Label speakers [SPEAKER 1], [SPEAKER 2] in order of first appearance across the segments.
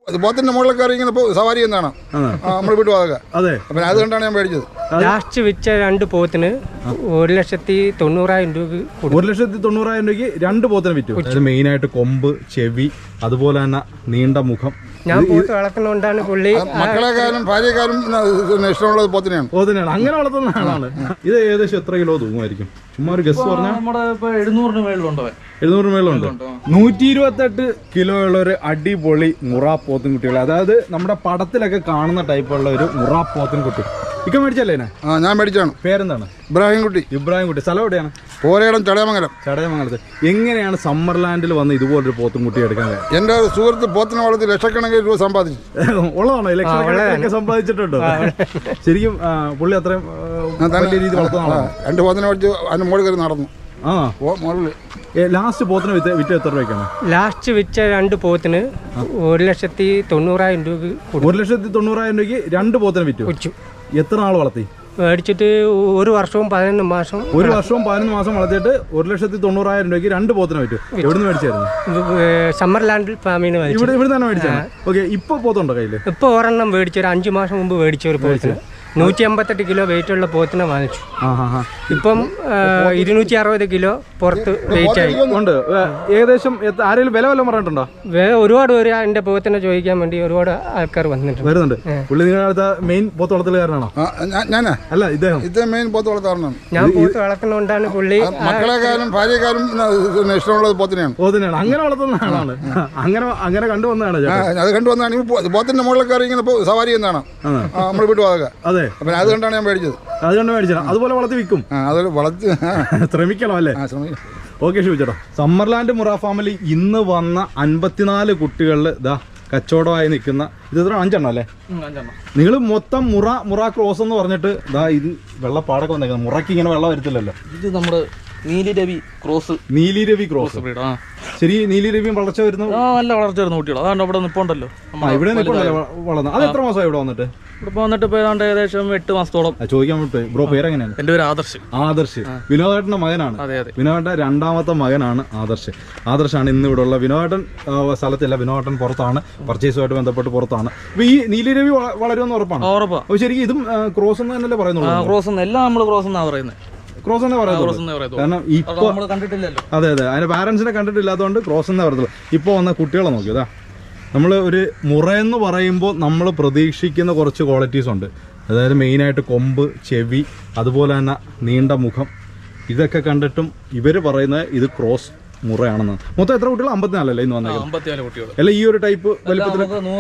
[SPEAKER 1] പോത്തിന്റെ മുകളിൽ കയറി ഇങ്ങനെ സവാരി എന്നാണ് നമ്മൾ വീട്ടു അതൊക്കെ. അതെ, അപ്പം അത് കണ്ടാണ് ഞാൻ മേടിച്ചത്.
[SPEAKER 2] ലാസ്റ്റ് വിറ്റ 2 പോത്തിന് 1,90,000 രൂപ.
[SPEAKER 3] 1,90,000 രൂപയ്ക്ക് 2 പോത്തിനെ വിറ്റു. അതായത് മെയിനായിട്ട് കൊമ്പ്, ചെവി, അതുപോലെ തന്നെ നീണ്ട മുഖം.
[SPEAKER 2] ഞാൻ പോത്ത് വളർത്തുന്നോണ്ടാണ് പുള്ളി.
[SPEAKER 1] മക്കളെക്കാരും ഭാര്യക്കാരും ഇഷ്ടമുള്ളത് പോത്തിനെയാണ്.
[SPEAKER 3] അങ്ങനെ വളർത്തുന്ന ആളാണ്. ഇത് ഏകദേശം എത്ര കിലോ തൂങ്ങുമായിരിക്കും? ചുമ്മാ ഒരു ഗസ് പറഞ്ഞാൽ
[SPEAKER 4] 700 മേളിലുണ്ടോ?
[SPEAKER 3] 700 മേളുണ്ട്. 128 കിലോ ഉള്ള ഒരു അടിപൊളി മുറ പോത്തും കുട്ടികൾ. അതായത് നമ്മുടെ പടത്തിലൊക്കെ കാണുന്ന ടൈപ്പുള്ള ഒരു മുറ പോത്തും കുട്ടി. ഇക്ക മേടിച്ചല്ലേ?
[SPEAKER 1] ഞാൻ മേടിച്ചാണ്.
[SPEAKER 3] പേരെന്താണ്? ഇബ്രാഹിം കുട്ടി. സ്ഥലം എവിടെയാണ്?
[SPEAKER 1] പോരേടം ചടയമംഗലം.
[SPEAKER 3] ചടയമംഗലത്ത്. എങ്ങനെയാണ് സമ്മർലാൻഡിൽ വന്ന് ഇതുപോലൊരു പോത്തും കുട്ടി എടുക്കാൻ?
[SPEAKER 1] എന്റെ സുഹൃത്ത് പോത്തിനെ വളർത്തി ലക്ഷക്കണക്കിന് രൂപ സമ്പാദിച്ചു.
[SPEAKER 3] ഉള്ളതാണോ? ലക്ഷക്കണക്കിനൊക്കെ സമ്പാദിച്ചിട്ടുണ്ടോ? ശരിക്കും പുള്ളി അത്രയും വലിയ രീതി വളർത്തുന്ന
[SPEAKER 1] 2 പോത്തിനെ മേടിച്ച് അതിന്റെ മുകളിൽ കയറി നടന്നു.
[SPEAKER 3] ലാസ്റ്റ് പോത്തിന് വിറ്റ് എത്ര രൂപയ്ക്കാണ്?
[SPEAKER 2] ലാസ്റ്റ് വിറ്റ 2 പോത്തിന് 1,90,000 രൂപ.
[SPEAKER 3] 1,90,000 രൂപയ്ക്ക് 2 പോത്തിനെ വിറ്റു. എത്ര നാൾ വളർത്തി?
[SPEAKER 2] മേടിച്ചിട്ട് 1 വർഷവും 11 മാസം.
[SPEAKER 3] 1 വർഷവും 11 മാസം വളർത്തിയിട്ട് 1,90,000 രൂപയ്ക്ക് 2 പോത്തിനെ വിറ്റു. എവിടെ നിന്ന് മേടിച്ചായിരുന്നു?
[SPEAKER 2] സമ്മർലാൻഡിൽ ഫാമിന്
[SPEAKER 3] ഇവിടെ തന്നെ മേടിച്ചാണ്. ഓക്കെ, ഇപ്പൊ പോത്തുണ്ടോ കയ്യിൽ?
[SPEAKER 2] ഇപ്പൊ ഒരെണ്ണം മേടിച്ചു. ഒരു 5 മാസം മുമ്പ് മേടിച്ച ഒരു പോത്തിന് 158 കിലോ വെയിറ്റ് ഉള്ള പോത്തിനെ വാങ്ങിച്ചു. ഇപ്പം 260 കിലോ പുറത്ത് വെയിറ്റ് ആയി
[SPEAKER 3] ഉണ്ട്. ഏകദേശം ആരെങ്കിലും വില വല്ലതും പറഞ്ഞിട്ടുണ്ടോ?
[SPEAKER 2] ഒരുപാട് പേര് എന്റെ പോത്തിനെ ചോദിക്കാൻ വേണ്ടി ഒരുപാട് ആൾക്കാർ
[SPEAKER 3] വരുന്നുണ്ട്. പുള്ളി നിങ്ങളുടെ മെയിൻ പോത്ത് വളർത്തലുകാരനാണോ?
[SPEAKER 1] ഞാനാ?
[SPEAKER 3] അല്ല, ഇദ്ദേഹം
[SPEAKER 1] മെയിൻ പോത്ത് വളർത്താറുണ്ട്.
[SPEAKER 2] ഞാൻ പോത്ത് വളർത്തുന്നോണ്ടാണ് പുള്ളി.
[SPEAKER 1] മക്കളെക്കാരും ഭാര്യക്കാരും ഇഷ്ടമുള്ളത് പോത്തിനെയാണ്.
[SPEAKER 3] അങ്ങനെ വളർത്തുന്ന ആളാണ്. അങ്ങനെ കണ്ടുവന്നതാണ്.
[SPEAKER 1] അത് കണ്ടുവന്നാണ്. പോത്തിന്റെ മുകളിൽ കയറി ഇങ്ങനെ സവാരി എന്നാണ് നമ്മൾ വീട്ടു അതൊക്കെ.
[SPEAKER 3] അതെ,
[SPEAKER 1] അത് കണ്ടാണ് ഞാൻ മേടിച്ചത്.
[SPEAKER 3] അതുപോലെ വളർത്തി വിൽക്കും.
[SPEAKER 1] അതുപോലെ വളർത്തി
[SPEAKER 3] ശ്രമിക്കണം അല്ലേ? ഓക്കെ ഷിബുചേട്ടാ. സമ്മർലാൻഡ് മുറ ഫാമിലി ഇന്ന് വന്ന 54 കുട്ടികളിൽ ഇതാ കച്ചവടമായി നിൽക്കുന്ന ഇത് എത്ര 5 എണ്ണം അല്ലേ? നിങ്ങൾ മൊത്തം മുറ ക്രോസ് എന്ന് പറഞ്ഞിട്ട് ഇതാ ഇത് വെള്ളപ്പാടൊക്കെ വന്നേക്കുന്നത്. മുറയ്ക്ക് ഇങ്ങനെ വെള്ളം വരത്തില്ലല്ലോ.
[SPEAKER 4] ഇത് നമ്മുടെ നീലിരവി ക്രോസ്.
[SPEAKER 3] ശരി, നീലിരവിയും വളർച്ച വരുന്നു.
[SPEAKER 4] നല്ല വളർച്ച വരുന്ന കുട്ടികൾ. അതാണ് ഇവിടെ നിൽപ്പുണ്ടല്ലോ.
[SPEAKER 3] ഇവിടെ നിൽപ്പുണ്ടല്ലോ വളർന്നു. അത് എത്ര മാസമായി ഇവിടെ വന്നിട്ട്?
[SPEAKER 4] ഇവിടെ വന്നിട്ട് ഇപ്പോൾ ഏതാണ്ട് ഏകദേശം 8 മാസത്തോളം.
[SPEAKER 3] ചോദിക്കാൻ വിട്ടു. ബ്രോ പേരെങ്ങനെയാണ്?
[SPEAKER 4] എൻ്റെ പേര് ആദർശ്.
[SPEAKER 3] വിനോദേട്ടന്റെ മകനാണ്. വിനോദേട്ടന്റെ 2ാമത്തെ മകനാണ് ആദർശാണ് ഇന്ന് ഇവിടെ ഉള്ള. വിനോദേട്ടൻ സ്ഥലത്തില്ല, വിനോദേട്ടൻ പുറത്താണ്, പർച്ചേസുമായിട്ട് ബന്ധപ്പെട്ട് പുറത്താണ്. അപ്പൊ ഈ നീലിരവി വളരുമെന്ന് ഉറപ്പാണ്?
[SPEAKER 4] ഉറപ്പാണ്.
[SPEAKER 3] ശരിക്കും ഇതും ക്രോസ് എന്ന് തന്നെയല്ലേ പറയുന്നുള്ളൂ?
[SPEAKER 4] ക്രോസ് എല്ലാം നമ്മൾ ക്രോസ് എന്നാണ് പറയുന്നത്.
[SPEAKER 3] ക്രോസ് എന്നേ പറയുന്നത്. കാരണം ഇപ്പൊ അതെ അതിന്റെ പാരന്റ്സിനെ കണ്ടിട്ടില്ലാത്തതുകൊണ്ട് ക്രോസ് എന്നേ പറയത്തുള്ളൂ. ഇപ്പൊ വന്ന കുട്ടികളെ നോക്കിയതാ. നമ്മൾ ഒരു മുറയെന്ന് പറയുമ്പോൾ നമ്മൾ പ്രതീക്ഷിക്കുന്ന കുറച്ച് ക്വാളിറ്റീസ് ഉണ്ട്. അതായത് മെയിനായിട്ട് കൊമ്പ്, ചെവി, അതുപോലെ തന്നെ നീണ്ട മുഖം. ഇതൊക്കെ കണ്ടിട്ടും ഇവർ പറയുന്നത് ഇത് ക്രോസ് മുറയാണെന്ന്. മൊത്തം എത്ര കുട്ടികൾ? 54 അല്ലേ ഇന്ന് വന്നേക്കുന്നത്? അല്ല, ഈ ഒരു ടൈപ്പ് വലിപ്പത്തിൽ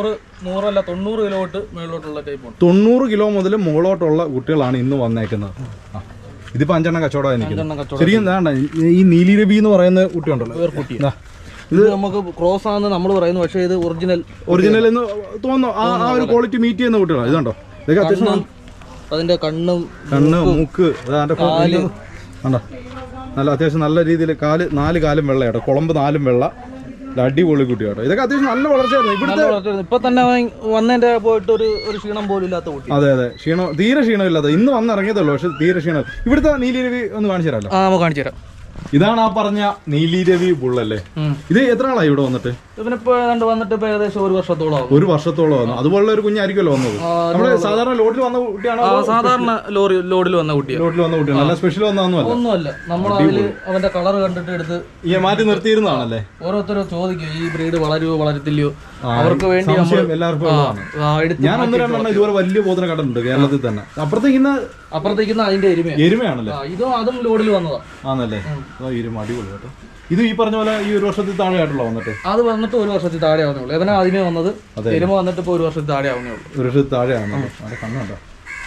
[SPEAKER 4] 90 കിലോ മുകളിലോട്ടുള്ള ടൈപ്പ്.
[SPEAKER 3] 90 കിലോ മുതൽ മുകളിലോട്ടുള്ള കുട്ടികളാണ് ഇന്ന് വന്നേക്കുന്നത്. ഇതിപ്പോ 5 എണ്ണം കച്ചവടമായി നിൽക്കുന്നത്. ശരിക്കും എന്താ ഈ നീലിരവി എന്ന് പറയുന്ന കുട്ടിയുണ്ടല്ലോ,
[SPEAKER 4] ഇത് നമുക്ക് ക്രോസ് ആണെന്ന് നമ്മൾ പറയുന്നു. പക്ഷേ ഇത് ഒറിജിനൽ
[SPEAKER 3] എന്ന് തോന്നുന്നു. ആ ഒരു ക്വാളിറ്റി മീറ്റ് ചെയ്യുന്ന കുട്ടികളാണ്. ഇതുണ്ടോ? ഇതൊക്കെ അത്യാവശ്യം
[SPEAKER 4] അതിന്റെ കണ്ണ്,
[SPEAKER 3] മൂക്ക്, കണ്ടോ? നല്ല അത്യാവശ്യം നല്ല രീതിയിൽ 4 കാലും വെള്ള കേട്ടോ. കുളമ്പ് 4 വെള്ള. അടിപൊളി കുട്ടിയാട്ടോ. ഇതൊക്കെ അത്യാവശ്യം നല്ല വളർച്ചയായിരുന്നു. ഇവിടുത്തെ
[SPEAKER 4] ഇപ്പൊ തന്നെ വന്നതിന്റെ പോയിട്ട് ഒരു ക്ഷീണം പോലും ഇല്ലാത്ത കുട്ടി.
[SPEAKER 3] അതെ, തീരെ ക്ഷീണമില്ലാത്ത. ഇന്ന് വന്നിറങ്ങിയതുള്ളൂ, പക്ഷെ തീരെ ക്ഷീണം. ഇവിടുത്തെ നീലിരവി ഒന്ന് കാണിച്ചു തരാമല്ലോ?
[SPEAKER 4] നമുക്ക് കാണിച്ചു തരാം.
[SPEAKER 3] ഇതാണ് ആ പറഞ്ഞ നീലിരവി ബുള്ളല്ലേ? ഇത് എത്ര ആളായി ഇവിടെ വന്നിട്ട്?
[SPEAKER 4] ഇവനിപ്പോ വന്നിട്ട് ഏകദേശം 1 വർഷത്തോളം.
[SPEAKER 3] 1 വർഷത്തോളം വന്നു. അതുപോലുള്ള ഒരു കുഞ്ഞായിരിക്കുമല്ലോ വന്നത്. നമ്മള് സാധാരണ ലോഡിൽ വന്ന കുട്ടിയാണോ?
[SPEAKER 4] സാധാരണ ലോഡിൽ വന്ന കുട്ടിയാണ്.
[SPEAKER 3] നല്ല സ്പെഷ്യൽ
[SPEAKER 4] ഒന്നുമല്ല. നമ്മൾ അവന്റെ കളർ കണ്ടിട്ട് എടുത്ത്
[SPEAKER 3] മാറ്റി നിർത്തിയിരുന്നതാണല്ലേ?
[SPEAKER 4] ഓരോരുത്തരും ചോദിക്കും ഈ ബ്രീഡ് വളരുവോ വളരത്തില്ലയോ. അവർക്ക് വേണ്ടി
[SPEAKER 3] എല്ലാവർക്കും. ഞാൻ 1-2 ഇതുപോലെ വലിയ പോത്തിനെ കണ്ടിട്ടുണ്ട് കേരളത്തിൽ തന്നെ.
[SPEAKER 4] അപ്പുറത്തേക്കുന്ന അതിന്റെ
[SPEAKER 3] എരുമയാണല്ലേ?
[SPEAKER 4] അതും ലോഡിൽ വന്നതാ.
[SPEAKER 3] ആണല്ലേ? എരുമ അടിപൊളി കേട്ടോ. ഇത് ഈ പറഞ്ഞ പോലെ ഈ 1 വർഷത്തിൽ താഴെ ആയിട്ടുള്ള വന്നിട്ട്?
[SPEAKER 4] അത് വന്നിട്ട് 1 വർഷത്തിൽ താഴെ ആവുന്നേ ഉള്ളൂ. എവനാ ആദ്യമേ വന്നത്. എരുമ വന്നിട്ട് ഇപ്പൊ 1 വർഷത്തിൽ താഴെ ആവുന്നേ ഉള്ളൂ.
[SPEAKER 3] 1 വർഷത്തിൽ താഴെ ആവുന്നുള്ളൂ. അവിടെ കണ്ണുണ്ടോ?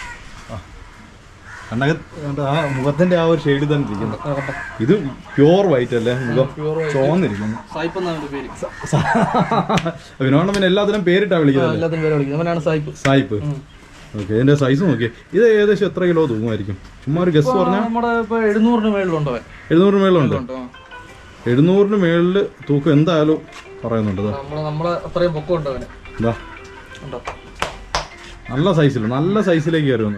[SPEAKER 3] കണ്ണകത്ത് ആ മുഖത്തിന്റെ ആ ഒരു ഷെയ്ഡ് തന്നെ ഇരിക്കുന്നു. ഇത് പ്യോർ വൈറ്റ് അല്ലേ? മുഖം ചോന്നിരിക്കുന്നു. വിനോദം പിന്നെ എല്ലാത്തിനും പേരിട്ടാ വിളിക്കുന്നത്. സായിപ്പ്. ഓക്കെ, ഇതിന്റെ സൈസ് നോക്കിയേ. ഇത് ഏകദേശം എത്ര കിലോ തൂങ്ങുമായിരിക്കും? ചുമ്മാ ഒരു ഗസ് പറഞ്ഞാൽ
[SPEAKER 4] 700 മേളിലുണ്ടോ?
[SPEAKER 3] 700 മേളുണ്ട്. 700 മേളിൽ തൂക്കം എന്തായാലും പറയുന്നുണ്ട്.
[SPEAKER 4] അത്രയും പൊക്കം ഉണ്ടോ?
[SPEAKER 3] നല്ല സൈസിലേക്ക് കയറി വന്നു.